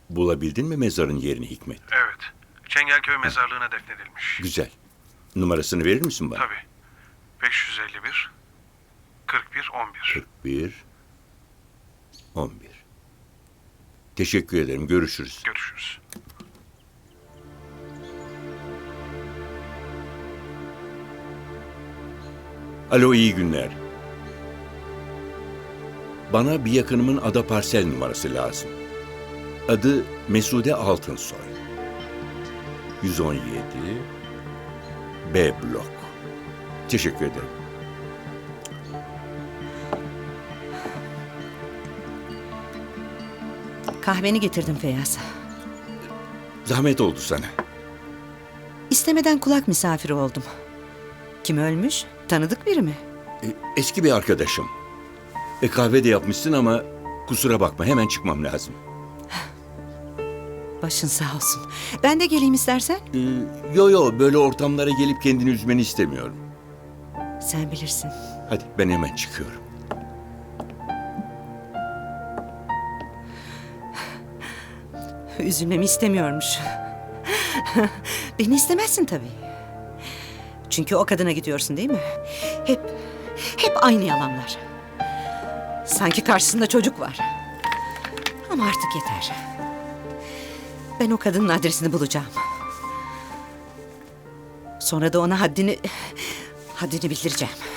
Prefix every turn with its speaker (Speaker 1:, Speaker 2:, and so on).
Speaker 1: Bulabildin mi mezarın yerini Hikmet?
Speaker 2: Evet. Çengelköy mezarlığına defnedilmiş.
Speaker 1: Güzel. Numarasını verir misin bana?
Speaker 2: Tabii. 551 41 11.
Speaker 1: 41 11. Teşekkür ederim. Görüşürüz.
Speaker 2: Görüşürüz.
Speaker 1: Alo, iyi günler. Bana bir yakınımın ada parsel numarası lazım. Adı Mesude Altınsoy. 117 B blok. Teşekkür ederim.
Speaker 3: Kahveni getirdim Feyyaz.
Speaker 1: Zahmet oldu sana.
Speaker 3: İstemeden kulak misafiri oldum. Kim ölmüş? Tanıdık biri mi?
Speaker 1: Eski bir arkadaşım. Kahve de yapmışsın ama kusura bakma, hemen çıkmam lazım.
Speaker 3: Başın sağ olsun. Ben de geleyim istersen.
Speaker 1: Yo, böyle ortamlara gelip kendini üzmeni istemiyorum.
Speaker 3: Sen bilirsin.
Speaker 1: Hadi, ben hemen çıkıyorum.
Speaker 3: Üzülmemi istemiyormuş. Beni istemezsin tabii. Çünkü o kadına gidiyorsun değil mi? Hep aynı yalanlar. Sanki karşısında çocuk var. Ama artık yeter. Ben o kadının adresini bulacağım. Sonra da ona haddini bildireceğim.